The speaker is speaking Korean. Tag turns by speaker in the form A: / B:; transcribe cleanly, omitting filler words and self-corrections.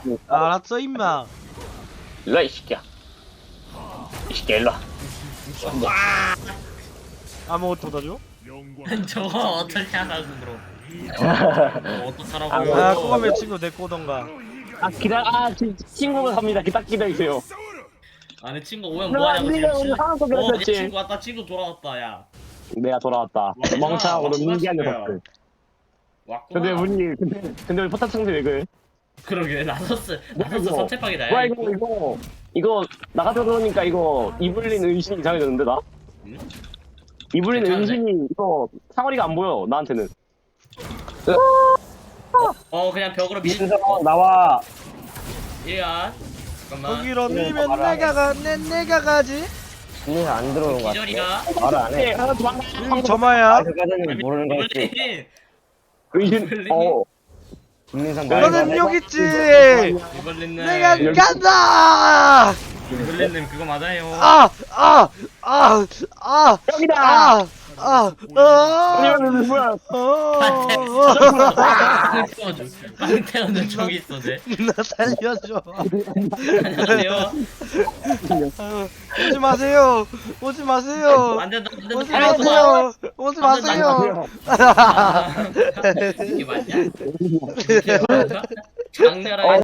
A: 알았어 임마.
B: 일로와 이 새끼야. 이 새끼야 일로와.
A: 아무것도 못 하죠?
C: 저거 어떻게 하라고 그럼. 어떡하라고.
A: 아 그거면 친구 내꼬던가.
B: 아 친구가 갑니다. 딱 기다리세요.
C: 아니 친구 오면 뭐하냐고 지금.
B: 하나도
C: 내
B: 그랬었지.
C: 친구 왔다. 친구 돌아왔다 야.
B: 내가 돌아왔다. 멍청하고 너 민기한 녀석들.
C: 왔구나.
B: 근데 우리 포탑 상대 왜 그래?
C: 그러게 나서스
B: 이거?
C: 선택하기다
B: 뭐야
C: 야.
B: 이거 나가서 그러니까 이거 이블린 은신이 이상해졌는데 나?
C: 응?
B: 이블린
C: 괜찮은데?
B: 은신이 이거 사거리가 안 보여 나한테는.
C: 그냥 벽으로 밀.
B: 나와.
C: 이야. 잠깐만.
A: 거기로 밀면 내가 가지.
D: 니가 안 들어오는 거 같아.
C: 기절이가.
D: 말을 안 해.
B: 하나 도망가.
A: 여기 점화야.
D: 그까지는 모르는 거 같지.
C: 이블린.
B: 은신.
D: 국민상
A: 너는 여기 있지.
C: 이블린님.
A: 내가 간다.
C: 이블린님 그거 맞아요.
A: 여기다.
B: 아니면 뭐야?
C: 빵 태워줘. 빵 태우는 저기 있어 쟤.
A: 나 살려줘.
C: 안녕하세요.
A: 오지 마세요. 오지 마세요.
C: 안 된다. 안
A: 오지
C: 된다.
A: 마세요. 오지 마세요.
C: 이게 맞냐? 이게 맞아? 장렬하게